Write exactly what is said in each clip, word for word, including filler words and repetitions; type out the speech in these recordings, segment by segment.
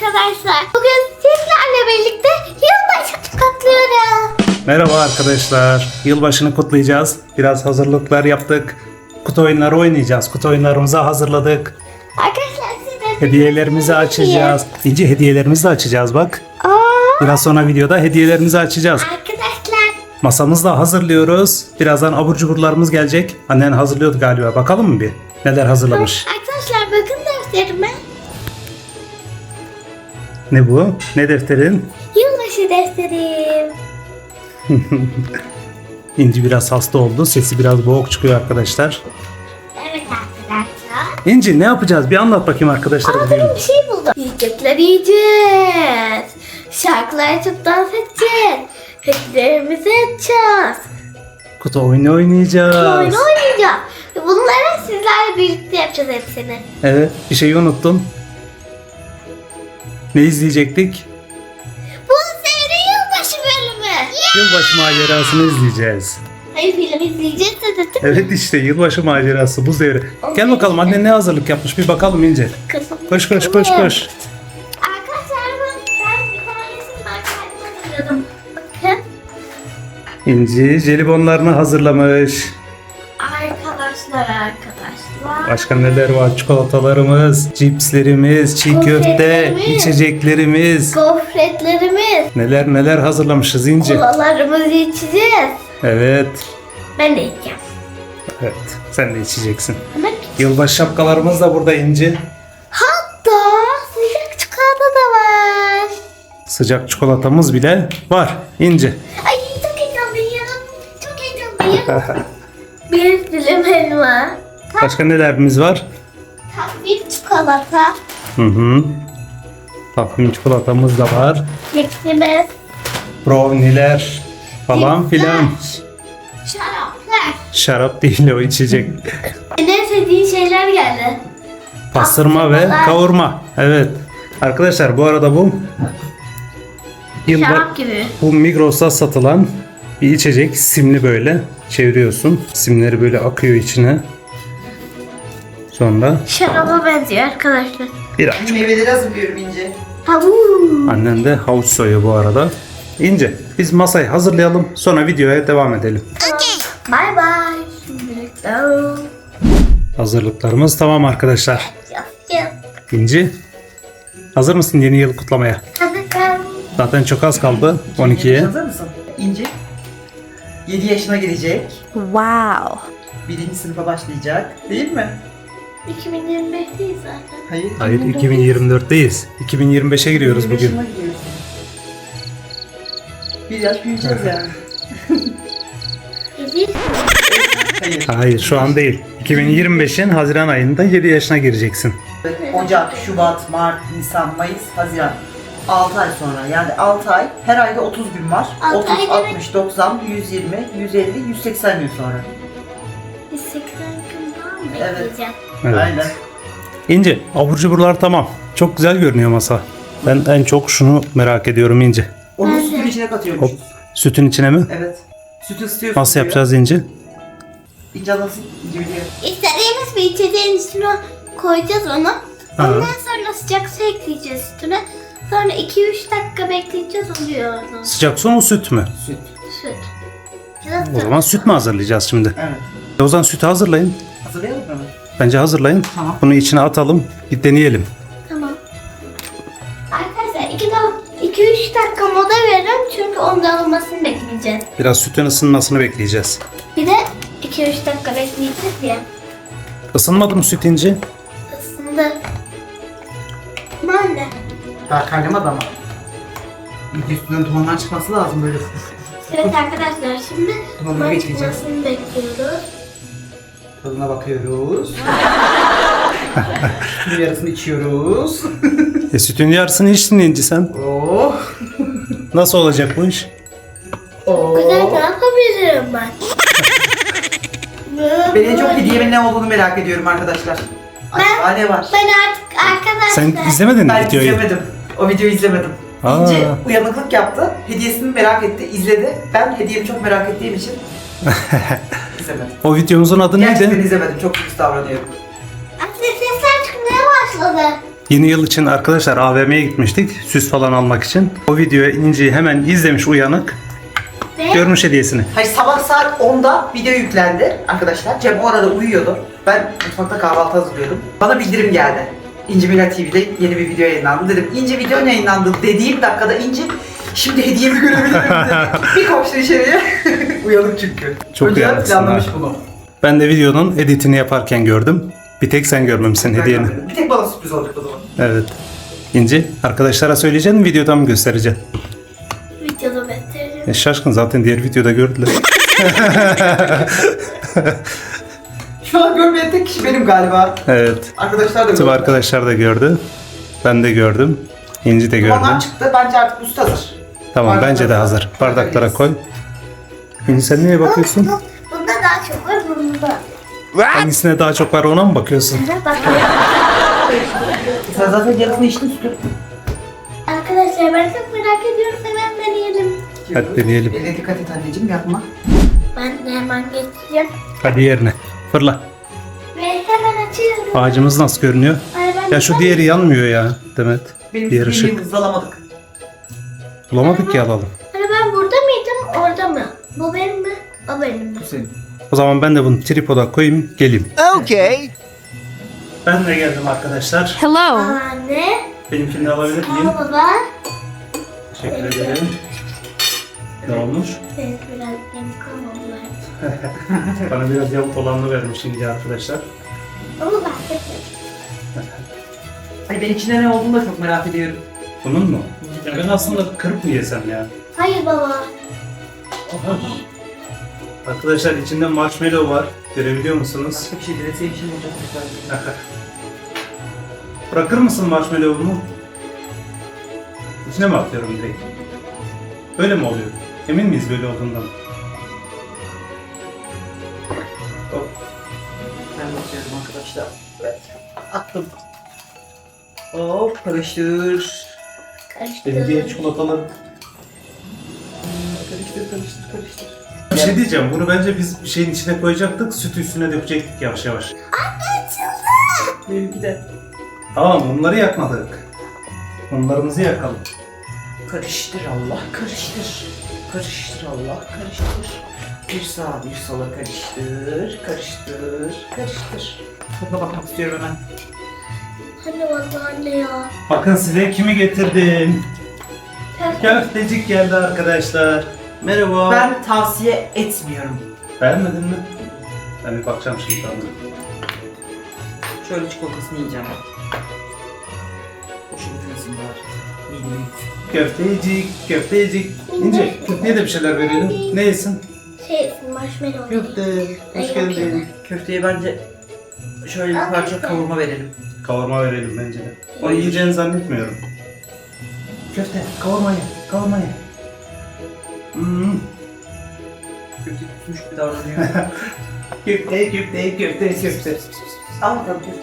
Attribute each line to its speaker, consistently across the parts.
Speaker 1: arkadaşlar. Bugün sizlerle birlikte yılbaşı kutluyoruz.
Speaker 2: Merhaba arkadaşlar. Yılbaşını kutlayacağız. Biraz hazırlıklar yaptık. Kutu oyunları oynayacağız. Kutu oyunlarımızı hazırladık.
Speaker 1: Arkadaşlar size
Speaker 2: Hediyelerimizi açacağız. İnce hediyelerimizi de açacağız bak.
Speaker 1: Aa,
Speaker 2: Biraz sonra videoda hediyelerimizi açacağız.
Speaker 1: arkadaşlar
Speaker 2: Masamızı da hazırlıyoruz. Birazdan abur cuburlarımız gelecek. Annen hazırlıyordu galiba. Bakalım mı bir? Neler hazırlamış?
Speaker 1: Arkadaşlar bakın defterime.
Speaker 2: Ne bu? Ne defterin?
Speaker 1: Yılbaşı defterim.
Speaker 2: İnci biraz hasta oldu. Sesi biraz boğuk çıkıyor arkadaşlar.
Speaker 1: Evet arkadaşlar.
Speaker 2: İnci ne yapacağız? Bir anlat bakayım arkadaşlara.
Speaker 1: Aa,
Speaker 2: bugün.
Speaker 1: ben bir şey buldum. Yiyecekler yiyeceğiz. Şarkılar açıp dans edeceğiz. Hediyelerimizi açacağız.
Speaker 2: Kutu oyunu oynayacağız.
Speaker 1: Oyun oynayacağız. Bunları sizlerle birlikte yapacağız hepsini.
Speaker 2: Evet, bir şeyi unuttum. Ne izleyecektik?
Speaker 1: Bu seri yılbaşı bölümü.
Speaker 2: Yılbaşı macerasını izleyeceğiz.
Speaker 1: Hayır, film izleyeceğiz de dedim.
Speaker 2: Evet işte yılbaşı macerası bu devre. Gel bakalım anne ne hazırlık yapmış bir bakalım İnce.
Speaker 1: Kızım.
Speaker 2: Koş koş koş koş.
Speaker 1: Arkadaşlar ben ben bir tanesini ben kendim hazırladım. Bakın.
Speaker 2: İnci jelibonlarını hazırlamış.
Speaker 1: Arkadaşlar arkadaşlar.
Speaker 2: Başka neler var? Çikolatalarımız, cipslerimiz, çiğ köfte,
Speaker 1: Gofretlerimiz.
Speaker 2: içeceklerimiz.
Speaker 1: Gofretlerimiz.
Speaker 2: Neler neler hazırlamışız İnci.
Speaker 1: Kolalarımızı içeceğiz.
Speaker 2: Evet.
Speaker 1: Ben de içeceğim.
Speaker 2: Evet. Sen de içeceksin.
Speaker 1: Hemen.
Speaker 2: Yılbaşı şapkalarımız da burada İnci.
Speaker 1: Hatta sıcak çikolata da var.
Speaker 2: Sıcak çikolatamız bile var İnci.
Speaker 1: Ay çok heyecanlıyım. Çok heyecanlıyım. Bir dilim helva.
Speaker 2: Başka nelerimiz var?
Speaker 1: Bir çikolata.
Speaker 2: Hı hı. Takvim çikolatamız da var.
Speaker 1: Keksimiz.
Speaker 2: Brownie'ler falan filan.
Speaker 1: Şaraplar.
Speaker 2: Şarap değil o içecek.
Speaker 1: En sevdiğin şeyler geldi.
Speaker 2: Pastırma ve
Speaker 1: Pastırmalar.
Speaker 2: kavurma. Evet. Arkadaşlar bu arada bu yılba
Speaker 1: Şarap gibi.
Speaker 2: bu Migros'ta satılan bir içecek. Simli böyle çeviriyorsun. Simleri böyle akıyor içine. Sonra
Speaker 1: Şaraba benziyor arkadaşlar.
Speaker 2: biraz.
Speaker 3: Meyveleri hazırlıyorum İnce.
Speaker 1: Tavuğum.
Speaker 2: Annen de havuç soyuyor bu arada. İnce biz masayı hazırlayalım sonra videoya devam edelim.
Speaker 1: Bye bye. Şimdilik de.
Speaker 2: Hazırlıklarımız tamam arkadaşlar.
Speaker 1: Yap yap.
Speaker 2: İnci hazır mısın yeni yıl kutlamaya?
Speaker 1: Hadi ben.
Speaker 2: Zaten çok az kaldı on ikiye.
Speaker 3: Hazır mısın? İnce yedi yaşına gelecek.
Speaker 4: Wow.
Speaker 3: Birinci sınıfa başlayacak. Değil mi?
Speaker 1: iki bin yirmi beşteyiz zaten.
Speaker 3: Hayır.
Speaker 2: Hayır iki bin yirmi dörtteyiz. iki bin yirmi beşe giriyoruz
Speaker 3: yirmi
Speaker 2: bugün.
Speaker 3: yaşına gidiyorsun. Bir yaş büyüyeceğiz yani.
Speaker 1: Yedi.
Speaker 3: Hayır.
Speaker 2: Hayır şu an değil. iki bin yirmi beşin Haziran ayında yedi yaşına gireceksin.
Speaker 3: Ocak, Şubat, Mart, Nisan, Mayıs, Haziran. altı ay sonra. Yani altı ay. Her ayda otuz gün var.
Speaker 1: Altı
Speaker 3: otuz,
Speaker 1: ay demek-
Speaker 3: altmış, doksan, yüz yirmi, yüz elli, yüz seksen gün sonra.
Speaker 1: Biz seksen gün daha mı
Speaker 3: Evet.
Speaker 1: bekleyeceğim?
Speaker 2: Evet.
Speaker 3: Aynen.
Speaker 2: İnce abur cuburlar tamam. Çok güzel görünüyor masa. Ben en çok şunu merak ediyorum İnce.
Speaker 3: Onu
Speaker 1: Ben de.
Speaker 3: sütün içine katıyormuşuz.
Speaker 2: Hop. Sütün içine mi?
Speaker 3: Evet. Sütü ısıtıyorsun.
Speaker 2: Nasıl
Speaker 3: suyu.
Speaker 2: yapacağız İnce?
Speaker 3: İnce nasıl? İnce biliyor.
Speaker 1: İstediğimiz bir içeceğin üstüne koyacağız onu.
Speaker 2: Ha.
Speaker 1: Ondan sonra sıcak su ekleyeceğiz üstüne. Sonra iki üç dakika bekleyeceğiz, oluyor o
Speaker 2: Sıcak su mu süt mü?
Speaker 3: Süt.
Speaker 1: süt. Ya da
Speaker 2: O zaman süt mü hazırlayacağız şimdi?
Speaker 3: Evet.
Speaker 2: O zaman sütü hazırlayın.
Speaker 3: Hazırlayalım mı?
Speaker 2: Bence hazırlayın.
Speaker 3: Tamam.
Speaker 2: Bunu içine atalım. Bir deneyelim.
Speaker 1: Tamam. Arkadaşlar iki üç dakika moda verin çünkü onun alınmasını bekleyeceğiz.
Speaker 2: Biraz sütün ısınmasını bekleyeceğiz.
Speaker 1: Bir de iki üç dakika bekleyeceğiz ya.
Speaker 2: Isınmadı mı süt İnci?
Speaker 1: Isındı. Anne.
Speaker 3: Daha kaynamadı ama. İlk üstünden dumanlar çıkması lazım böyle.
Speaker 1: Evet arkadaşlar şimdi
Speaker 3: Dumanları
Speaker 1: duman
Speaker 3: bekleyeceğiz.
Speaker 1: çıkmasını bekliyoruz.
Speaker 3: Tadına bakıyoruz. Sütün yarısını içiyoruz.
Speaker 2: E sütün yarısını içtin İnci sen.
Speaker 3: Oh.
Speaker 2: Nasıl olacak bu iş?
Speaker 3: Oh.
Speaker 1: Güzel ne yapabilirim ben?
Speaker 3: Ben en çok hediyemin ne olduğunu merak ediyorum arkadaşlar. Acaba ne var?
Speaker 1: Ben artık arkadaşlar.
Speaker 2: Sen izlemedin mi
Speaker 3: Ben
Speaker 2: videoyu?
Speaker 3: izlemedim. O videoyu izlemedim.
Speaker 2: Aa.
Speaker 3: İnce uyanıklık yaptı. Hediyesini merak etti, izledi. Ben hediyemi çok merak ettiğim için izlemedim.
Speaker 2: O videomuzun adı
Speaker 3: Gerçekten
Speaker 2: neydi?
Speaker 3: izlemedim. Çok kötü davranıyorum.
Speaker 1: Aslında sesler çıkmaya başladı.
Speaker 2: Yeni yıl için arkadaşlar A V M'ye gitmiştik. Süs falan almak için. O videoyu İnci hemen izlemiş uyanık.
Speaker 1: Ve
Speaker 2: Görmüş hediyesini.
Speaker 3: Hayır, sabah saat onda video yüklendi arkadaşlar. Cem o arada uyuyordu. Ben mutfakta kahvaltı hazırlıyordum. Bana bildirim geldi. İnci Mila T V'de yeni bir video yayınlandı. Dedim İnci video yayınlandı dediğim dakikada İnci şimdi hediyemi görebilirim dedi. Bir koştu içeriye. Uyanık çünkü.
Speaker 2: Çok
Speaker 3: Önceden
Speaker 2: uyanıksın
Speaker 3: planlamış
Speaker 2: ha.
Speaker 3: bunu.
Speaker 2: Ben de videonun editini yaparken gördüm. Bir tek sen görmemişsin
Speaker 3: Ben
Speaker 2: hediyeni.
Speaker 3: görmedim. Bir tek bana sürpriz olacak o zaman.
Speaker 2: Evet. İnci arkadaşlara söyleyeceksin, videoda mı göstereceksin?
Speaker 1: videoda göstereceğim.
Speaker 2: E, şaşkın zaten diğer videoda gördüler.
Speaker 3: Şu an görmeyen tek kişi benim galiba.
Speaker 2: Evet.
Speaker 3: Arkadaşlar da
Speaker 2: Tüm
Speaker 3: gördü.
Speaker 2: arkadaşlar da gördü. Ben de gördüm. İnci de gördü.
Speaker 3: Dumanlar çıktı. Bence artık üstü hazır.
Speaker 2: Tamam
Speaker 3: Bardaklara
Speaker 2: bence de
Speaker 3: koy.
Speaker 2: hazır. Bardaklara koy. İnci sen neye bakıyorsun?
Speaker 1: Bu- Bunda daha çok var bunda.
Speaker 2: Hangisine daha çok var ona mı bakıyorsun?
Speaker 1: Bak
Speaker 3: Sen zaten yarısını içtin sütü.
Speaker 1: arkadaşlar ben çok merak ediyorum. Hemen deneyelim.
Speaker 2: Hadi deneyelim.
Speaker 3: Eline dikkat et anneciğim, yapma.
Speaker 1: Ben de hemen geçeceğim.
Speaker 2: Hadi yerine. Fırla.
Speaker 1: Ve hemen açıyorum.
Speaker 2: Ağacımız nasıl görünüyor?
Speaker 1: Ay, ben
Speaker 2: Ya şu diğeri yanmıyor ya Demet.
Speaker 3: Benim
Speaker 2: Diğer
Speaker 3: bildiğim
Speaker 2: ışık.
Speaker 3: hızlamadık.
Speaker 2: Bulamadık ki alalım.
Speaker 1: Hani ben burada mıydım orada mı? Bu benim mi? O benim mi?
Speaker 3: Bu senin.
Speaker 2: O zaman ben de bunu tripoda koyayım geleyim.
Speaker 4: Okay.
Speaker 2: Ben de geldim arkadaşlar.
Speaker 5: Hello.
Speaker 1: Anne.
Speaker 2: Benimkini de alabilir miyim?
Speaker 1: Al baba.
Speaker 2: Teşekkür ederim. Ne olmuş?
Speaker 1: Evet biraz yeni kalmadılar.
Speaker 2: Bana biraz yamuk olanını vermiş şimdi arkadaşlar.
Speaker 1: Ama ben de
Speaker 3: Ay ben içinde ne olduğunu da çok merak ediyorum.
Speaker 2: Bunun mu? Ya ben aslında kırıp mı yesem ya?
Speaker 1: Hayır baba.
Speaker 2: Arkadaşlar içinde marshmallow var. Görebiliyor musunuz?
Speaker 3: Başka bir şey dileseyim şimdi olacak. Güzel.
Speaker 2: Bırakır mısın marshmallow'umu? İçine mi atıyorum direkt? Böyle mi oluyor? Emin miyiz böyle olduğundan? Hop.
Speaker 3: Ben bakıyorum arkadaşlar. Evet. Attım. Hop karıştır.
Speaker 2: Belediye çikolataları.
Speaker 3: Karıştır karıştır karıştır.
Speaker 2: Bir şey diyeceğim. Bunu bence biz bir şeyin içine koyacaktık. Sütü üstüne dökecektik yavaş yavaş.
Speaker 3: Benimki de.
Speaker 2: Tamam bunları yakmadık. Mumlarımızı yakalım.
Speaker 3: Karıştır Allah karıştır. Karıştır Allah karıştır. Bir sağa bir sola karıştır. Karıştır. Karıştır. Tadına bakmak istiyorum hemen.
Speaker 1: Hani vallahi anne ya.
Speaker 2: Bakın size kimi getirdim.
Speaker 1: Köfte.
Speaker 2: Köftecik geldi arkadaşlar. Merhaba.
Speaker 3: Ben tavsiye etmiyorum.
Speaker 2: Beğenmedin mi? Ben bir bakacağım şimdi tadına.
Speaker 3: Şöyle çikolatasını yiyeceğim. Hoşuma gitmesin bari. Midemi gitsin.
Speaker 2: Köftecik, köftecik. İnce, köfteye de bir şeyler verelim. Ne yesin?
Speaker 1: Şey marshmallow.
Speaker 2: Köfte. Hoş geldin.
Speaker 3: Köfteye bence şöyle bir parça kavurma verelim.
Speaker 2: Kavurma verelim bence de. O yiyeceğini zannetmiyorum. Köfte, kavurma ye, kavurma ye. Hmm.
Speaker 3: Köfte kusmuş bir davranıyor.
Speaker 2: Köfte, köfte, köfte, köfte.
Speaker 3: Al bakalım köfte.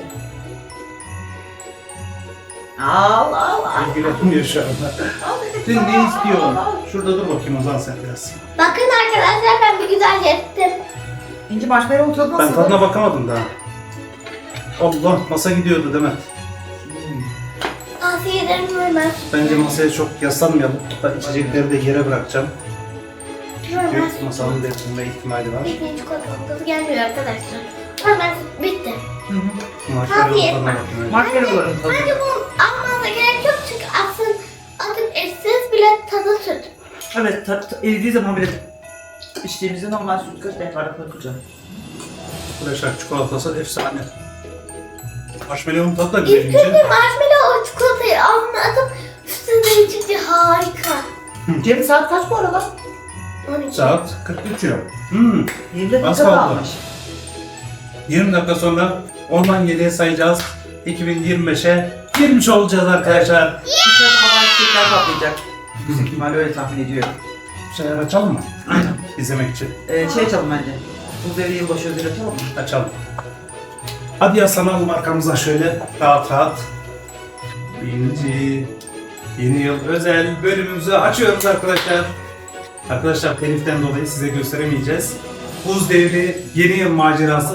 Speaker 3: Al al al.
Speaker 2: İlgilenmiyor şu anda.
Speaker 3: Al dedim
Speaker 2: Sen
Speaker 3: sana,
Speaker 2: ne
Speaker 3: al,
Speaker 2: istiyorsun?
Speaker 3: al, al.
Speaker 2: Şurada dur bakayım o zaman sen biraz.
Speaker 1: Bakın arkadaşlar ben bir güzel yaptım.
Speaker 3: İnci marshmallow tadı
Speaker 2: Ben
Speaker 3: nasıl?
Speaker 2: tadına bakamadım daha. Allah, masa gidiyordu değil mi?
Speaker 1: Tavsiye ederim Ömer.
Speaker 2: Bence masaya çok yaslanmayalım. Hatta içecekleri de yere bırakacağım.
Speaker 1: Ömer.
Speaker 2: Çünkü masanın devrilme ihtimali var.
Speaker 1: Ekmeğin çikolatalı gelmiyor arkadaşlar. Hemen bitti.
Speaker 3: Hı hı.
Speaker 2: Marshmallow tadına bakayım önce.
Speaker 3: Marshmallow'ların tadı.
Speaker 1: Bence bunu almanıza gerek yok çünkü aslında atıp etsiz bile tadı süt.
Speaker 3: Evet, ta, ta, eridiği zaman bile içtiğimizde normal süt kaç defa koyacağım.
Speaker 2: Arkadaşlar çikolatası efsane. Marshmallow'un tadı da güzel
Speaker 1: İlk
Speaker 2: ince.
Speaker 1: önce marshmallow o çikolatayı ağzına atıp üstüne içince harika.
Speaker 3: Cem saat kaç bu arada?
Speaker 1: on iki.
Speaker 2: Saat kırk üç ya. Hmm.
Speaker 3: yirmi
Speaker 2: Az
Speaker 3: dakika
Speaker 2: kaldı.
Speaker 3: kalmış.
Speaker 2: yirmi dakika sonra ondan yediye sayacağız. iki bin yirmi beşe girmiş olacağız arkadaşlar.
Speaker 3: Dışarıda hava çiçekler patlayacak. Yüksek ihtimalle öyle tahmin ediyorum.
Speaker 2: Bir şeyler açalım mı?
Speaker 3: Aynen.
Speaker 2: İzlemek için.
Speaker 3: Ee, şey açalım bence. Bu devre yılbaşı ödülü açalım mı?
Speaker 2: Açalım. Hadi yaslanalım arkamıza şöyle rahat rahat. Birinci yeni yıl özel bölümümüzü açıyoruz arkadaşlar. Arkadaşlar teliften dolayı size gösteremeyeceğiz. Buz devri yeni yıl macerası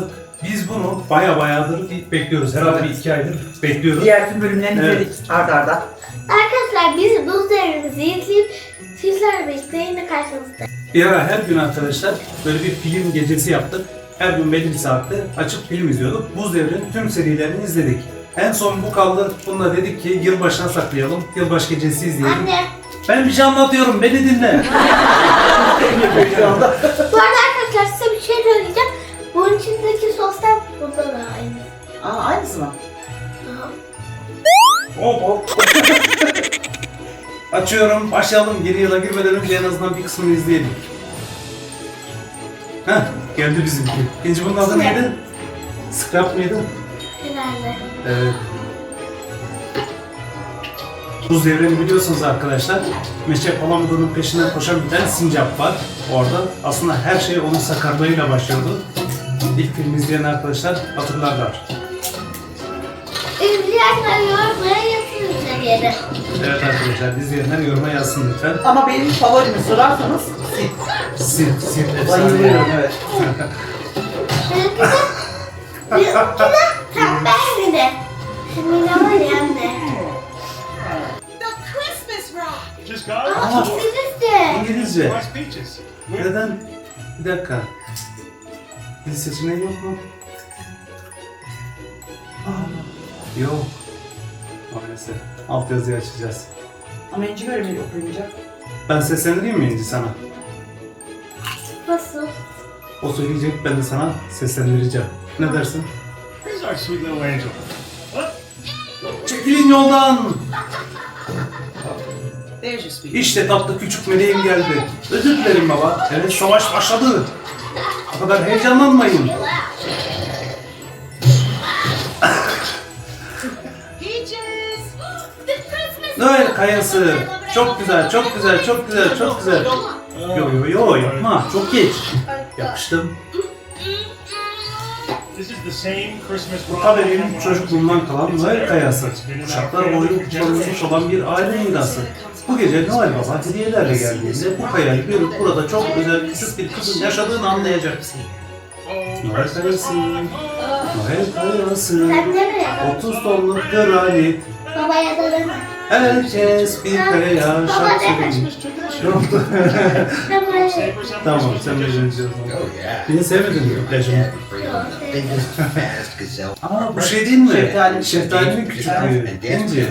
Speaker 2: Biz bunu baya bayağıdır bekliyoruz. Herhalde bir iki aydır bekliyoruz.
Speaker 3: Diğer tüm bölümlerini
Speaker 2: Evet.
Speaker 3: izledik arda arda.
Speaker 1: Arkadaşlar biz buz devrimizi izleyip sizlerle birlikte yine karşınızda.
Speaker 2: Bir ara her gün arkadaşlar böyle bir film gecesi yaptık. Her gün belli bir saatte açıp film izliyorduk. Buz Devri'nin tüm serilerini izledik. En son bu kaldı. Bununla dedik ki yılbaşına saklayalım. Yılbaşı gecesi izleyelim.
Speaker 1: Anne.
Speaker 2: Ben bir şey anlatıyorum. Beni dinle.
Speaker 3: Şu anda.
Speaker 1: Bu arada arkadaşlar size bir şey söyleyeceğim. Bunun içindeki soslar burada da aynı.
Speaker 3: Aa, aynısı mı?
Speaker 1: Aha.
Speaker 2: Hop hop. Açıyorum. Başlayalım. Yeni yıla girmeden önce en azından bir kısmını izleyelim. Heh, geldi bizimki. İnci bunun adı neydi? Scrap mıydı?
Speaker 1: Herhalde.
Speaker 2: Evet. Buz Devri'ni biliyorsunuz arkadaşlar. Meşe Palamudo'nun peşinden koşan bir tane sincap var orada. Aslında her şey onun sakarlığıyla başlıyordu. İlk film izleyen arkadaşlar hatırlarlar.
Speaker 1: İzleyenler yormaya yazın üzerine.
Speaker 2: Evet arkadaşlar, izleyenler yoruma yazsın lütfen.
Speaker 3: Ama benim favorimi sorarsanız Sid.
Speaker 2: Sid, Sid efsane.
Speaker 3: Bayılıyorum, evet.
Speaker 1: Benimki de, benimki de tembel bir de. Şimdi ne var ya anne?
Speaker 4: Just got
Speaker 1: Aa,
Speaker 2: Aa.
Speaker 1: İngilizce.
Speaker 2: İngilizce.
Speaker 4: West Beaches.
Speaker 2: Neden? Bir dakika. Dil seçeneği yok mu? Aa, yok. Maalesef. Alt yazıyı açacağız.
Speaker 3: Ama İnci bölümü okuyunca.
Speaker 2: Ben seslendireyim mi İnci sana?
Speaker 1: Nasıl?
Speaker 2: O söyleyecek, ben de sana seslendireceğim. Ne dersin?
Speaker 4: Here's our sweet little angel. What?
Speaker 2: Çekilin yoldan!
Speaker 3: There's your sweet.
Speaker 2: İşte tatlı küçük meleğim geldi. Özür dilerim baba. Evet, savaş başladı. O kadar heyecanlanmayın. Noel kayası. Çok güzel, çok güzel, çok güzel, çok güzel. Yo yo yo yapma, çok geç. Yapıştım.
Speaker 4: This is the same Christmas
Speaker 2: Bu tabii benim çocukluğumdan kalan Noel kayası. Kuşaklar boyu kullanılmış olan bir aile mirası. Bu gece Noel Baba hediyelerle geldiğinde bu kayayı görüp burada çok özel küçük bir kızın yaşadığını anlayacaksın. Noel kayası, Noel kayası,
Speaker 1: Sen nereye?
Speaker 2: otuz tonluk granit.
Speaker 1: Babaya da ben.
Speaker 2: Herkes bir kayaya şarkı söyleyeyim. Ne oldu?
Speaker 1: Babaya.
Speaker 2: Tamam, sen de izleyeceğiz. Beni sevmedin mi plajımı? Aa, bu şey değil mi?
Speaker 3: Şeftali.
Speaker 2: Şeftalinin küçüklüğü. İnci.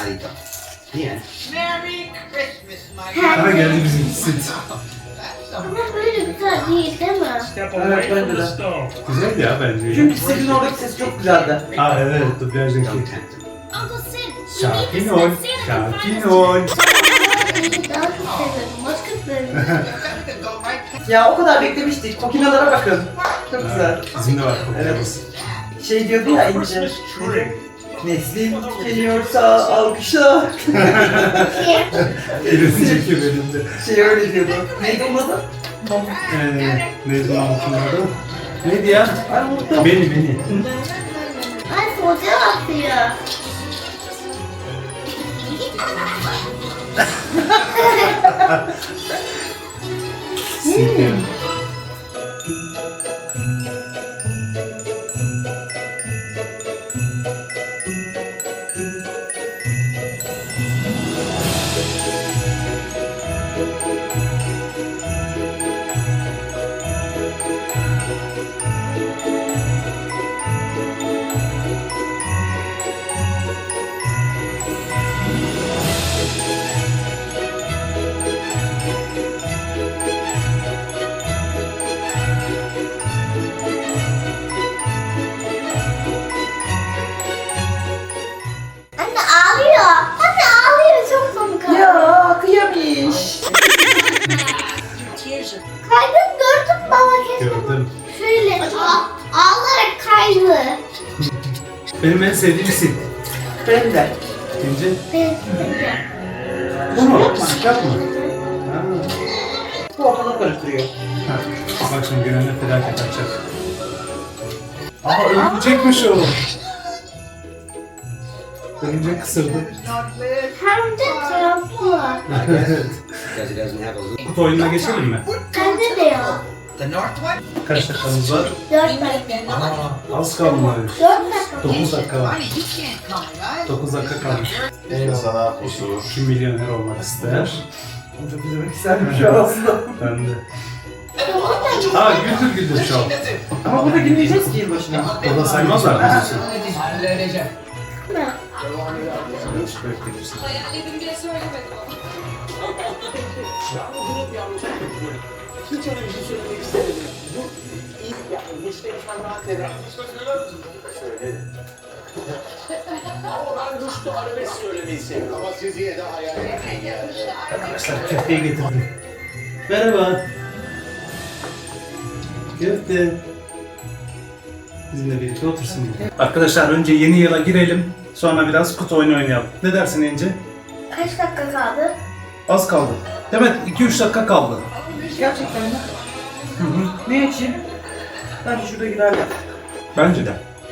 Speaker 5: Merry Christmas, my
Speaker 2: Aha geldi bizim Sid.
Speaker 1: Ama böyle güzel değil değil mi?
Speaker 4: Step
Speaker 3: Evet,
Speaker 4: away
Speaker 3: bence
Speaker 4: from the
Speaker 3: de.
Speaker 4: stove.
Speaker 2: Güzel ya bence.
Speaker 3: Çünkü Sid'in oradaki sesi çok güzeldi.
Speaker 2: Aa evet, dublajdaki.
Speaker 6: Don't tempt him.
Speaker 2: Sakin ol, sakin ol.
Speaker 1: Daha çok seviyorum. Başka bölüm.
Speaker 3: Ya o kadar beklemiştik. Kokinalara bakın. Çok güzel.
Speaker 2: Bizim de var
Speaker 3: Evet.
Speaker 2: kokularımız.
Speaker 3: Şey diyordu ya İnci.
Speaker 4: Christmas tree.
Speaker 3: Neslin geliyorsa alkışla.
Speaker 2: Bir önceki bölümde.
Speaker 3: Şey öyle diyordu. Neydi onun adı?
Speaker 2: Ee, neydi lan bunun adı? Neydi ya?
Speaker 3: Ay unuttum.
Speaker 2: Beni, beni.
Speaker 1: Ay soğuca atıyor.
Speaker 2: Sid ya.
Speaker 1: Anne ağlıyor. Anne ağlıyor çok komik.
Speaker 3: Ya kıyamış.
Speaker 1: Kaydın gördün mü baba keşke bu-
Speaker 2: Gördüm.
Speaker 1: şöyle a- ağlayarak kaydı.
Speaker 2: Benim en sevdiğim Sid.
Speaker 3: Benim de.
Speaker 2: İnci.
Speaker 1: Ben
Speaker 2: Bu mu? Sıcak mı? Ha.
Speaker 3: Bu ortalığı karıştırıyor.
Speaker 2: Ha. Bak şimdi Gönen'le felaket açacak. Aa örümcekmiş o. Örümcek kısırdı.
Speaker 1: hem de taraflı.
Speaker 2: Evet. Kutu oyununa geçelim mi?
Speaker 1: Bende de yok.
Speaker 5: The north one?
Speaker 2: Kaç dakikamız var?
Speaker 1: Dört dakika.
Speaker 2: Aa, az kalmış.
Speaker 1: Dört dakika.
Speaker 2: dokuz dakika var.
Speaker 5: Honey, you can't come, right?
Speaker 2: dokuz dakika kalmış.
Speaker 7: Sana huzur.
Speaker 2: Kim milyoner olmak ister?
Speaker 3: Çok izlemek isterdim şu an aslında.
Speaker 2: Ben de. Aa, güldür güldür şu an.
Speaker 3: Ama burada gülmeyeceğiz ki yılbaşına.
Speaker 2: Orada saymazlar mı diyorsun?
Speaker 5: Halledeceğim.
Speaker 6: Hayalledim diye söylemedim ama.
Speaker 7: Ama siz yine de hayal etmeyin yani.
Speaker 2: Arkadaşlar köfteyi getirdim. Merhaba. Köfte. Bizimle birlikte otursun. Arkadaşlar önce yeni yıla girelim. Sonra biraz kutu oyunu oynayalım. Ne dersin İnci?
Speaker 1: Kaç dakika kaldı?
Speaker 2: Az kaldı. Demet iki üç dakika kaldı.
Speaker 3: Gerçekten mi? Ne için? Bence şurada girerler.
Speaker 2: Bence de.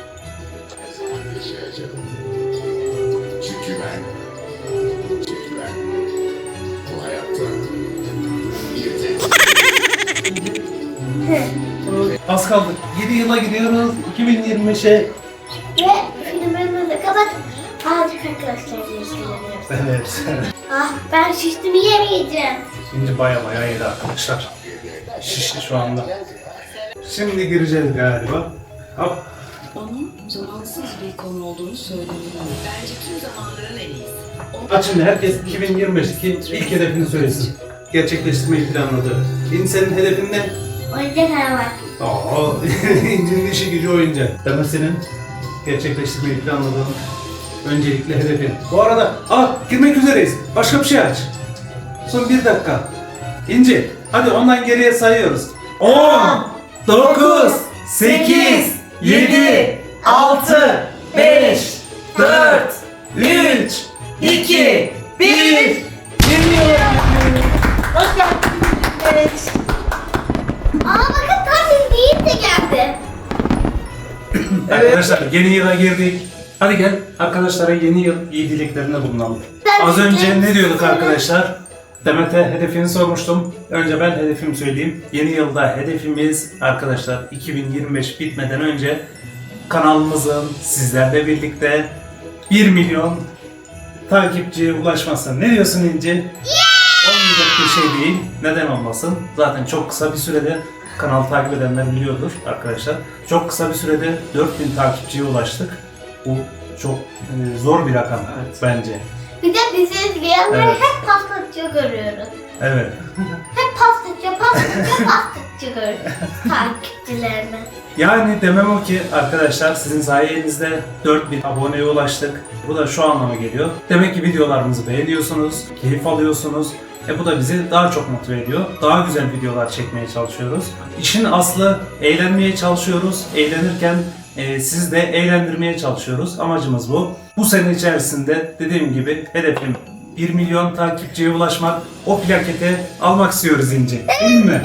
Speaker 7: Çünkü ben, çünkü ben bu hayatta
Speaker 2: Az kaldı. yedi yıla gidiyoruz. iki bin yirmi beşe.
Speaker 1: Ve filmimizi kapat. Azıcık arkadaşlarla ilgileniyoruz.
Speaker 2: Evet.
Speaker 1: Ah ben şiştim yemeyeceğim.
Speaker 2: Şimdi baya baya yedi arkadaşlar. Şişti şu anda. Şimdi gireceğiz galiba. Hop.
Speaker 8: Onun zamansız bir konu olduğunu söylemiyorum. Bence tüm zamanların en iyisi.
Speaker 2: Bak şimdi herkes iki bin yirmi beşteki ilk hedefini söylesin. Gerçekleştirmeyi planladı. İn senin hedefin ne?
Speaker 1: Oyuncak araba.
Speaker 2: Aa, İnci'nin işi gücü oyuncak. Demek senin gerçekleştirmeyi planladığın öncelikli hedefin. Bu arada, aa girmek üzereyiz. Başka bir şey aç. Son bir dakika. İnci, hadi ondan geriye sayıyoruz. on, dokuz, sekiz, yedi,
Speaker 3: altı, beş, dört, üç, iki, bir. Hoş geldiniz.
Speaker 1: Aa bakın tam değil de geldi.
Speaker 2: Arkadaşlar yeni yıla girdik. Hadi gel arkadaşlara yeni yıl iyi dileklerinde bulunalım.
Speaker 1: Ben
Speaker 2: Az önce
Speaker 1: de-
Speaker 2: ne diyorduk arkadaşlar? Demet'e hedefini sormuştum. Önce ben hedefimi söyleyeyim. Yeni yılda hedefimiz arkadaşlar iki bin yirmi beş bitmeden önce kanalımızın sizlerle birlikte bir milyon takipçiye ulaşması. Ne diyorsun İnci? Olmayacak bir şey değil. Neden olmasın? Zaten çok kısa bir sürede kanalı takip edenler biliyordur arkadaşlar. Çok kısa bir sürede dört bin takipçiye ulaştık. Bu çok e, zor bir rakam bence.
Speaker 1: Bir de bizi izleyenleri
Speaker 2: Evet.
Speaker 1: hep pastacı görüyoruz.
Speaker 2: Evet.
Speaker 1: Hep pastacı, pastacı, pastacı görüyoruz. Takipçilerini.
Speaker 2: Yani demem o ki arkadaşlar sizin sayenizde dört bin aboneye ulaştık. Bu da şu anlama geliyor. Demek ki videolarımızı beğeniyorsunuz, keyif alıyorsunuz. E bu da bizi daha çok motive ediyor. Daha güzel videolar çekmeye çalışıyoruz. İşin aslı eğlenmeye çalışıyoruz. Eğlenirken e, sizi de eğlendirmeye çalışıyoruz. Amacımız bu. Bu sene içerisinde dediğim gibi hedefim bir milyon takipçiye ulaşmak. O plaketi almak istiyoruz İnci. Değil mi?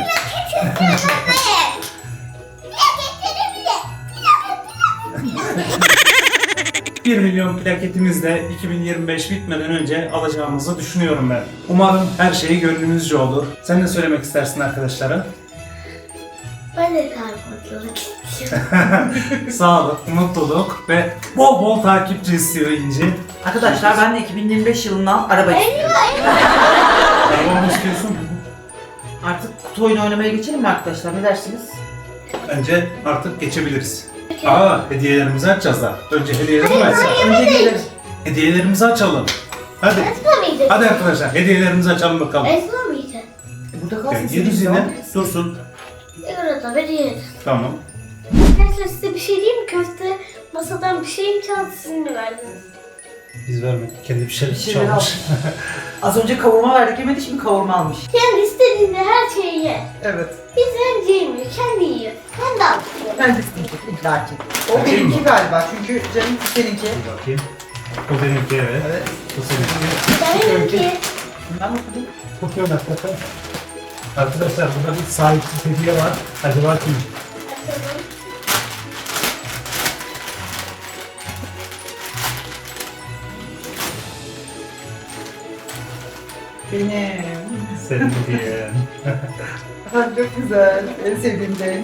Speaker 2: bir milyon plaketimizle iki bin yirmi beş bitmeden önce alacağımızı düşünüyorum ben. Umarım her şey gönlünüzce olur. Sen ne söylemek istersin arkadaşlara?
Speaker 1: Ben de mutluluk istiyorum.
Speaker 2: Sağlık, mutluluk ve bol bol takipçi istiyor İnci.
Speaker 3: Arkadaşlar ben de iki bin yirmi beş yılından araba istiyorum.
Speaker 2: Araba mı istiyorsun?
Speaker 3: Artık kutu oyunu oynamaya geçelim mi arkadaşlar? Ne dersiniz?
Speaker 2: Bence artık geçebiliriz. Aa, hediyelerimizi açacağız da. Önce hediyelerimizi açalım.
Speaker 3: Önce gelir.
Speaker 2: Hediyelerimizi açalım. Hadi.
Speaker 1: Esma mıydı?
Speaker 2: Hadi arkadaşlar hediyelerimizi açalım bakalım.
Speaker 1: Esma mıydı?
Speaker 3: Burada kalsın.
Speaker 2: Yani yeriz yine. Dursun.
Speaker 1: Orada bir yeriz.
Speaker 2: Tamam.
Speaker 1: Arkadaşlar size bir şey diyeyim mi? Köfte masadan bir şey mi çaldı, sizin mi verdiniz?
Speaker 2: Biz vermedik. Kendi bir şey
Speaker 3: Bir şeyler
Speaker 2: çalmış.
Speaker 3: almış. Az önce kavurma verdik yemedi, şimdi kavurma almış.
Speaker 1: Kendi istediğinde her şeyi ye.
Speaker 3: Evet.
Speaker 1: Biz önce yemiyor, kendi yiyor. Ben de alıyorum.
Speaker 3: Ben de isteyecek illaki. O
Speaker 2: Bakayım
Speaker 3: benimki
Speaker 2: mı?
Speaker 3: galiba çünkü canım seninki.
Speaker 2: Bir bakayım. O benimki evet.
Speaker 3: Evet.
Speaker 2: Bu seninki.
Speaker 1: Ben önce.
Speaker 3: Ben okudum.
Speaker 2: Bakıyorum hakikaten. Arkadaşlar burada bir sahipsiz hediye var. Acaba kim?
Speaker 1: Açalım.
Speaker 3: Benim.
Speaker 2: Senin hediyen.
Speaker 3: Çok güzel. En sevdiğim renk.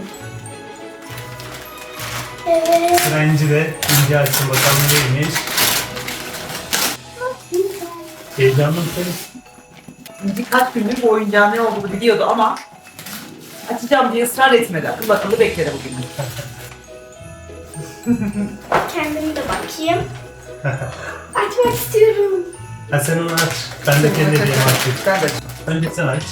Speaker 1: Evet.
Speaker 2: Sıra İnci'de. İnci açsın bakalım neymiş. Heyecanlı mısınız?
Speaker 3: İnci kaç gündür bu oyuncağın ne olduğunu biliyordu ama açacağım diye ısrar etmedi. Akıl akıllı bekledi bugün.
Speaker 1: Kendim de bakayım. Açmak istiyorum.
Speaker 2: Ha sen onu aç. Ben de kendi hediyemi açayım.
Speaker 3: Ben de açayım.
Speaker 2: Önce sen aç.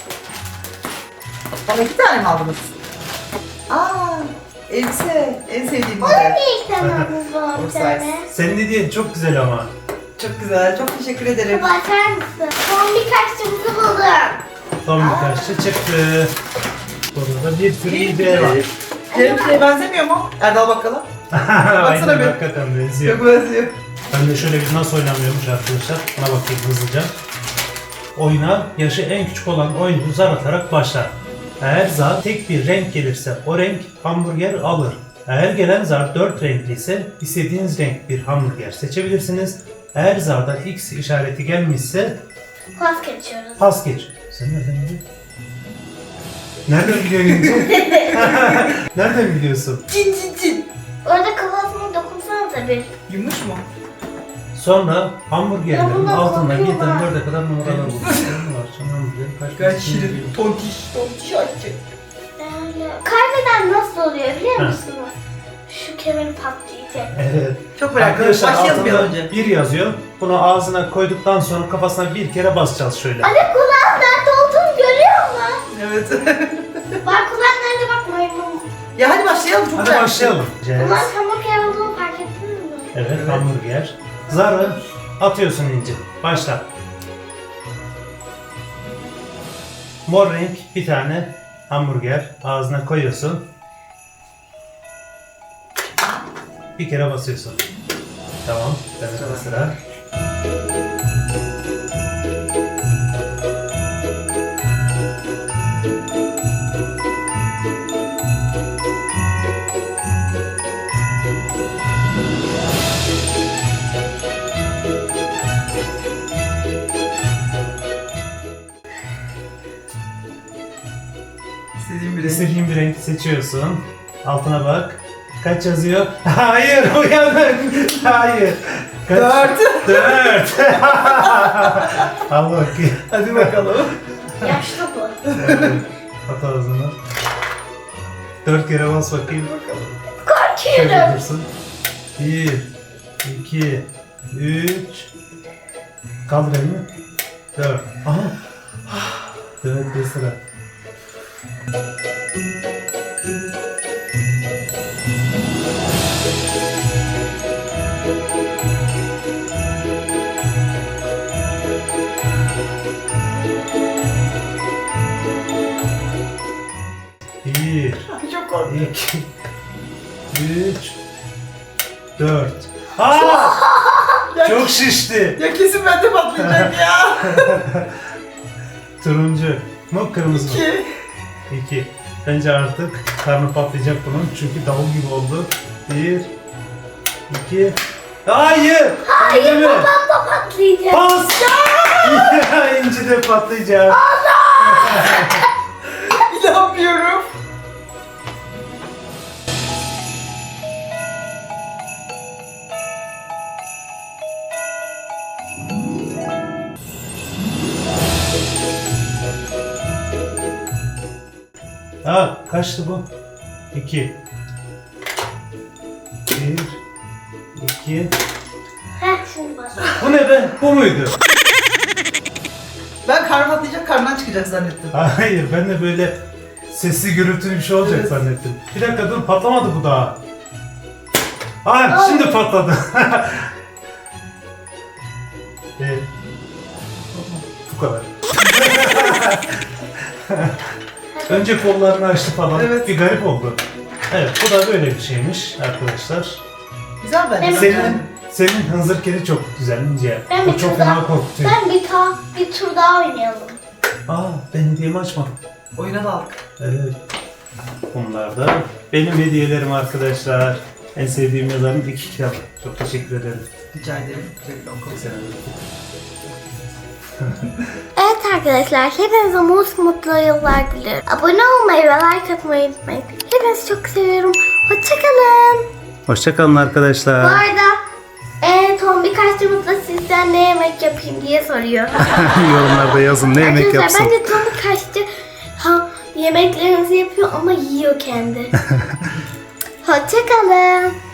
Speaker 3: Bana iki tane mi aldınız? Aa, elbise. En sevdiğim
Speaker 1: Onun
Speaker 3: model.
Speaker 1: bir ilk tanımız var bir
Speaker 3: Oversize.
Speaker 1: tane.
Speaker 2: Senin hediyen çok güzel ama.
Speaker 3: Çok güzel. Çok teşekkür ederim.
Speaker 1: Baba açar mısın? Son birkaç çubuk buldum.
Speaker 2: Son birkaç şey çıktı. Burada bir sürü hediye var.
Speaker 3: Elbiseye benzemiyor mu? Erdal bakalım.
Speaker 2: Aynen
Speaker 3: bir.
Speaker 2: hakikaten benziyor.
Speaker 3: Çok benziyor.
Speaker 2: Ben de şöyle bir nasıl oynanıyormuş arkadaşlar. Buna bakayım hızlıca. Oyuna yaşı en küçük olan oyuncu zar atarak başlar. Eğer zar tek bir renk gelirse o renk hamburger alır. Eğer gelen zar dört renkli ise istediğiniz renk bir hamburger seçebilirsiniz. Eğer zarda X işareti gelmişse
Speaker 1: Pas geçiyoruz.
Speaker 2: pas geç. Sen nereden biliyorsun? Nereden biliyorsun İnci? Nereden biliyorsun?
Speaker 3: Cin cin cin.
Speaker 1: Orada kafasına dokunsanıza bir.
Speaker 3: Yumuş mu?
Speaker 2: Sonra
Speaker 1: Ya
Speaker 2: hamburgerlerin
Speaker 1: bundan
Speaker 2: altında
Speaker 1: korkuyorum
Speaker 2: birden
Speaker 1: ha.
Speaker 2: dörde kadar numaralar bulur. var. Sonra hamburgerin kaç
Speaker 3: Gayet
Speaker 2: kaç-
Speaker 3: şirin. Tontiş. Tontiş açacak.
Speaker 1: Yani kaybeden nasıl oluyor biliyor
Speaker 2: Ha.
Speaker 1: musunuz? Şu kemerim patlayacak.
Speaker 2: Evet.
Speaker 3: Çok merak ediyorum.
Speaker 2: Arkadaşlar
Speaker 3: Başlayalım bir
Speaker 2: altında
Speaker 3: önce.
Speaker 2: bir yazıyor. Bunu ağzına koyduktan sonra kafasına bir kere basacağız şöyle.
Speaker 1: Anne kulağın nerede olduğunu görüyor musun?
Speaker 3: Evet.
Speaker 1: Bak kulağın nerede bak maymun.
Speaker 3: Ya hadi başlayalım. Çok
Speaker 2: Hadi
Speaker 3: merak
Speaker 2: başlayalım.
Speaker 1: Bunlar hamburger olduğunu fark ettiniz mi?
Speaker 2: Evet, hamburger. Zarı atıyorsun İnci. Başla. Mor renk bir tane hamburger ağzına koyuyorsun. Bir kere basıyorsun. Tamam. Demek sıra.
Speaker 3: İstediğim bir renk.
Speaker 2: İstediğin bir renk seçiyorsun. Altına bak. Kaç yazıyor? Hayır, uyanın. Hayır. Kaç?
Speaker 3: Dört.
Speaker 2: Dört. Al bakayım.
Speaker 3: Hadi bakalım.
Speaker 1: Yaşlı bu.
Speaker 2: Evet. At ağzına. Dört kere bas bakayım. Şöyle
Speaker 1: Korkuyorum.
Speaker 2: dursun. Bir, iki, üç. Kaldır elini. Dört. Aha. Dört bir sıra. Bir,
Speaker 3: Çok korkuyorum.
Speaker 2: iki, üç, dört. Aa! Çok şişti.
Speaker 3: Ya kesin bende patlayacak ya.
Speaker 2: Turuncu mu kırmızı mı?
Speaker 3: İki.
Speaker 2: İki. Bence artık karnı patlayacak bunun çünkü davul gibi oldu. Bir, iki. Hayır! Hayır mi?
Speaker 1: Babam da patlayacak.
Speaker 2: Pas! Ya İnci de patlayacak.
Speaker 3: İnanmıyorum.
Speaker 2: Ha kaçtı bu? İki. Bir, iki.
Speaker 1: Heh şimdi bas.
Speaker 2: Bu ne be? Bu muydu?
Speaker 3: Ben karnım patlayacak, karnından çıkacak zannettim.
Speaker 2: Hayır, ben de böyle sesli gürültülü bir şey olacak
Speaker 3: Evet.
Speaker 2: zannettim. Bir dakika dur, patlamadı bu daha. Aa, şimdi patladı. Evet. Bu kadar. Önce kollarını açtı falan.
Speaker 3: Evet.
Speaker 2: Bir garip oldu. Evet, bu da böyle bir şeymiş arkadaşlar.
Speaker 3: Güzel bence.
Speaker 1: Evet.
Speaker 2: Senin senin hınzır kedi çok güzel İnce.
Speaker 1: Ben
Speaker 2: O
Speaker 1: bir
Speaker 2: çok
Speaker 1: tur
Speaker 2: fena
Speaker 1: daha-
Speaker 2: korkutuyor.
Speaker 1: Ben bir, ta, bir tur daha oynayalım.
Speaker 2: Aa, ben hediyemi açmadım.
Speaker 3: Oyuna daldık.
Speaker 2: Evet. Bunlar da benim hediyelerim arkadaşlar. En sevdiğim yazarın iki kitap. Çok teşekkür ederim.
Speaker 3: Rica ederim. Güzel bir okul.
Speaker 2: Sen
Speaker 1: Evet arkadaşlar, hepinize mutlu mutlu yıllar dilerim. Abone olmayı ve like atmayı unutmayın. Hepinizi çok seviyorum. Hoşçakalın.
Speaker 2: Hoşçakalın
Speaker 1: Bu
Speaker 2: arkadaşlar.
Speaker 1: arada en son birkaç yumurta sizden ne yemek yapayım diye soruyor.
Speaker 2: Yorumlarda yazın ne yemek
Speaker 1: Arkadaşlar
Speaker 2: yapsın.
Speaker 1: bence Tommy kaçtı. Ha, yemeklerinizi yapıyor ama yiyor kendi. Hoşçakalın.